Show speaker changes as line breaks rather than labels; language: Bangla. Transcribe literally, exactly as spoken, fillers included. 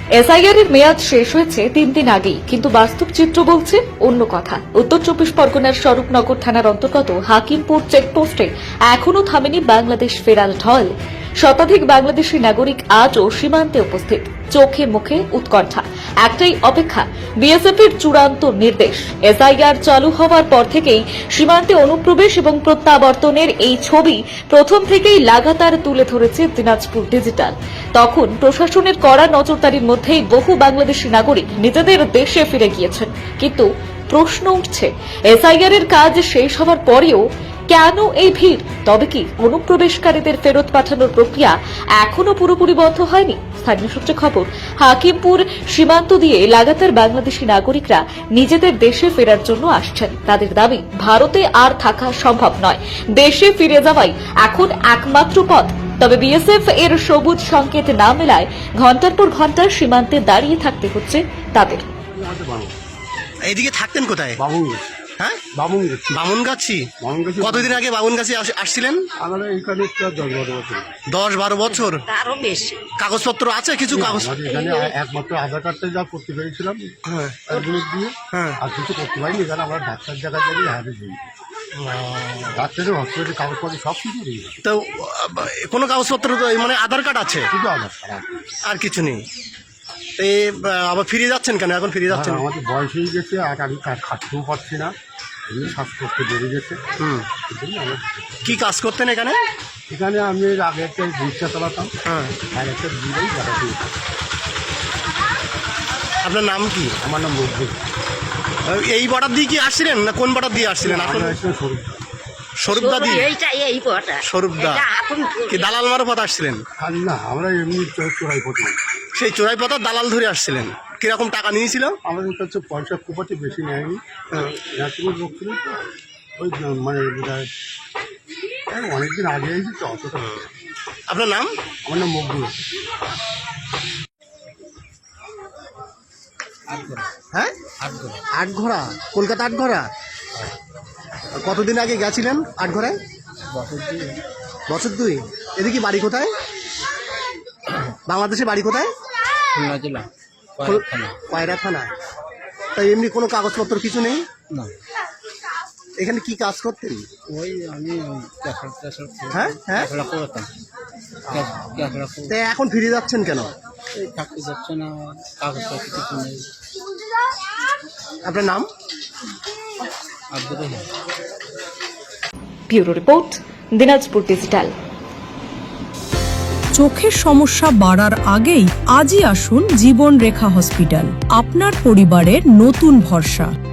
এসআইআর এর মেয়াদ শেষ হয়েছে তিন দিন আগেই, কিন্তু বাস্তব চিত্র বলছে অন্য কথা। উত্তর চব্বিশ পরগনার স্বরূপনগর থানার অন্তর্গত হাকিমপুর চেকপোস্টে এখনও থামেনি বাংলাদেশ ফেরার ঢল। শতাধিক বাংলাদেশি নাগরিক আজও সীমান্তে উপস্থিত, চোখে মুখে উৎকণ্ঠা, একটাই অপেক্ষা বিএসএফ এর চূড়ান্ত নির্দেশ। এসআইআর চালু হওয়ার পর থেকেই সীমান্তে অনুপ্রবেশ এবং প্রত্যাবর্তনের এই ছবি প্রথম থেকেই লাগাতার তুলে ধরেছে দিনাজপুর ডিজিটাল। তখন প্রশাসনের কড়া নজরদারির মধ্যেই বহু বাংলাদেশি নাগরিক নিজেদের দেশে ফিরে গিয়েছেন। কিন্তু প্রশ্ন উঠছে, এসআইআর এর কাজ শেষ হওয়ার পরেও কেন এই ভিড়? তবে কি অনুপ্রবেশকারীদের ফেরত পাঠানোর প্রক্রিয়া এখনো পুরোপুরি বন্ধ হয়নি? স্থানীয় সূত্রে খবর, হাকিমপুর সীমান্ত দিয়ে লাগাতার বাংলাদেশি নাগরিকরা নিজেদের দেশে ফেরার জন্য আসছেন। তাদের দাবি, ভারতে আর থাকা সম্ভব নয়, দেশে ফিরে যাওয়াই এখন একমাত্র পথ। তবে বিএসএফ এর সবুজ সংকেত না মেলায় ঘন্টার পর ঘন্টা সীমান্তে দাঁড়িয়ে থাকতে হচ্ছে তাদের।
এইদিকে থাকতেন কোথায়? হ্যাঁ, বামুনগাছি। কতদিন আগে বামুনগাছি আসছিলেন?
আমাদের এইখানে দশ বারো বছর
দশ বারো বছর
আরো বেশি
কাগজপত্র আছে? কিছু কাগজ
এখানে একমাত্র আধার কার্ডটা যা করতে পেরেছিলাম দিয়ে,
হ্যাঁ,
আর কিছু করতে পারিনি। এখানে আমরা ডাক্তার জায়গায় যাই হারে দিই, ডাক্তারের হসপিটালের কাগজপত্র সব কিছু দিই।
তো কোনো কাগজপত্র মানে আধার কার্ড আছে,
শুধু আধার কার্ড,
আর কিছু নেই। এই আবার ফিরে যাচ্ছেন কেন? এখন ফিরে যাচ্ছেন?
আমাদের বয়স হয়ে গেছে, আর আমি খাটতেও পারছি না, এমনি শ্বাসকষ্ট বেড়ে গেছে।
হুম, কি কাজ করতেন এখানে?
এখানে আমি আগে একটা রিক্সা চালাতাম,
হ্যাঁ,
আর একটা দিলেই দেখাতে।
আপনার নাম কি?
আমার নাম মকবুল।
এই বর্ডার দিয়ে কি আসছিলেন না কোন বর্ডার দিয়ে আসছিলেন? আসলে স্বরূপদা দি, স্বরূপদা কি দালাল মারফত আসছিলেন?
না, আমরা এমনি চোরাই পথে,
সেই চোরাই পথা দালাল ধরে আসছিলেন। কিরকম টাকা নিয়েছিল?
আমাদের কাছে পয়সা খুব একটা বেশি নেয়নি, ন্যাশনাল লোক ছিল তো, ওই মানে অনেকদিন আগে এসেছি তো, অতটা।
আপনার নাম?
আমার নাম মকবুল।
হ্যাঁ, আটঘরা, কলকাতা আটঘরা। কতদিন আগে গেছিলেন আটঘরায়? বছর দুই। এদিকে বাড়ি কোথায়? বাংলাদেশে বাড়ি কোথায়? পায়রা থানা। তাই এমনি কোনো কাগজপত্র কিছু নেই?
না।
এখানে কি কাজ করতেন?
ওই আমি
হ্যাঁ হ্যাঁ তাই এখন ফিরে যাচ্ছেন কেন?
থাকতে যাচ্ছে না, কাগজপত্র কিছু নেই।
আপনার নাম?
Abdur Rahman.
Bureau report, Dinajpur digital.
চোখের সমস্যা বাড়ার আগেই আজই আসুন জীবন রেখা হসপিটাল, আপনার পরিবারের নতুন ভরসা।